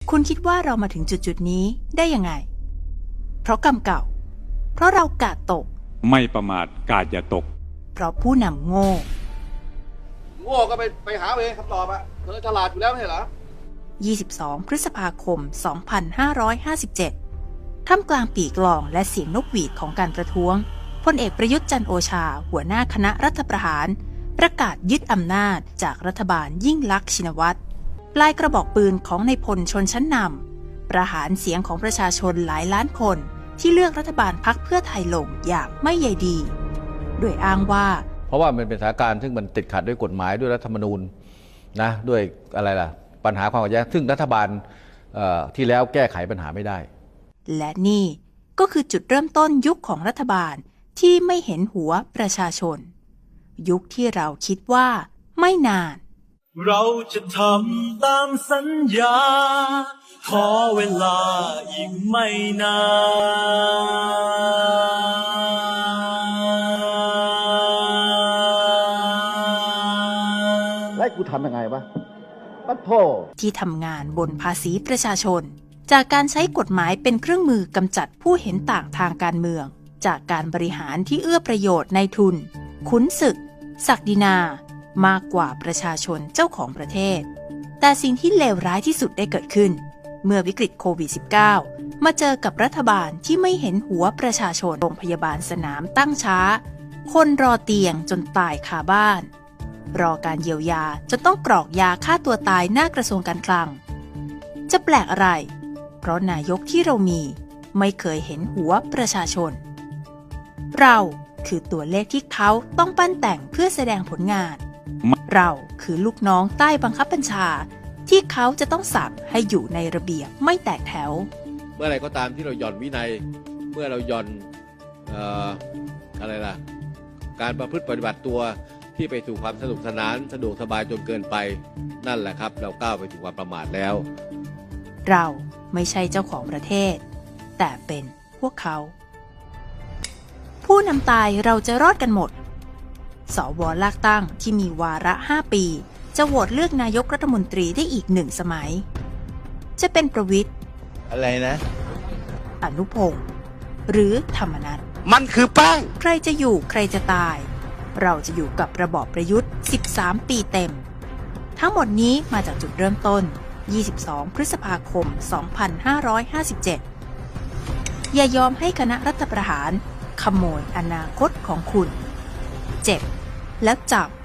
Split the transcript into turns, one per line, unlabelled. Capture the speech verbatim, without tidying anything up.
คุณคิดว่าเรามาถึงจุดจุดนี้ได้ยังไงเพราะกรรมเก่าเพราะเรากาดตก
ไม่ประมาทกาดอย่าตก
เพราะผู้นำโง่
โง่ก็ไปไปหาเองคำตอบอะเธอฉลาดอยู่แล้วไม่ใช่เหรอ
ยี่สิบสองพฤษภาคมสองพันห้าร้อยห้าสิบเจ็ดท่ามกลางปีกลองและเสียงนกหวีดของการประท้วงพลเอกประยุทธ์จันทร์โอชาหัวหน้าคณะรัฐประหารประกาศยึดอำนาจจากรัฐบาลยิ่งลักษณ์ชินวัตรปลายกระบอกปืนของนายพลชนชั้นนำประหารเสียงของประชาชนหลายล้านคนที่เลือกรัฐบาลพรรคเพื่อไทยลงอย่างไม่ใยดีโดยอ้างว่า
เพราะว่ามันเป็นสถานการณ์ซึ่งมันติดขัดด้วยกฎหมายด้วยรัฐธรรมนูญนะด้วยอะไรล่ะปัญหาความขัดแย้งซึ่งรัฐบาลที่แล้วแก้ไขปัญหาไม่ได้
และนี่ก็คือจุดเริ่มต้นยุคของรัฐบาลที่ไม่เห็นหัวประชาชนยุคที่เราคิดว่าไม่นาน
เราจะทำตามสัญญาขอเวลาอีกไม่นาน
แล้วกูทำยังไงวะปัดโท
ที่ทำงานบนภาษีประชาชนจากการใช้กฎหมายเป็นเครื่องมือกำจัดผู้เห็นต่างทางการเมืองจากการบริหารที่เอื้อประโยชน์ในทุนขุนศึกศักดินามากกว่าประชาชนเจ้าของประเทศแต่สิ่งที่เลวร้ายที่สุดได้เกิดขึ้นเมื่อวิกฤตโควิด สิบเก้า มาเจอกับรัฐบาลที่ไม่เห็นหัวประชาชนโรงพยาบาลสนามตั้งช้าคนรอเตียงจนตายคาบ้านรอการเยียวยาจนต้องกรอกยาฆ่าตัวตายหน้ากระทรวงการคลังจะแปลกอะไรเพราะนายกที่เรามีไม่เคยเห็นหัวประชาชนเราคือตัวเลขที่เขาต้องปั้นแต่งเพื่อแสดงผลงานเราคือลูกน้องใต้บังคับบัญชาที่เขาจะต้องสั่งให้อยู่ในระเบียบไม่แตกแถว
เมื่อไรก็ตามที่เราหย่อนวินัยเมื่อเราหย่อนเอ่ออะไรล่ะการประพฤติปฏิบัติตัวที่ไปสู่ความสนุกสนานสะดวกสบายจนเกินไปนั่นแหละครับเราก้าวไปถึงความประมาทแล้ว
เราไม่ใช่เจ้าของประเทศแต่เป็นพวกเขาผู้นำตายเราจะรอดกันหมดสว.ลากตั้งที่มีวาระห้าปีจะโหวตเลือกนายกรัฐมนตรีได้อีกหนึ่งสมัยจะเป็นประวิตร
อะไรนะ
อนุพงษ์หรือธรรมนัส
มันคือแป้ง
ใครจะอยู่ใครจะตายเราจะอยู่กับระบอบประยุทธ์สิบสามปีเต็มทั้งหมดนี้มาจากจุดเริ่มต้นยี่สิบสองพฤษภาคมสองพันห้าร้อยห้าสิบเจ็ดอย่ายอมให้คณะรัฐประหารขโมยอนาคตของคุณเจ็บแล้วจำ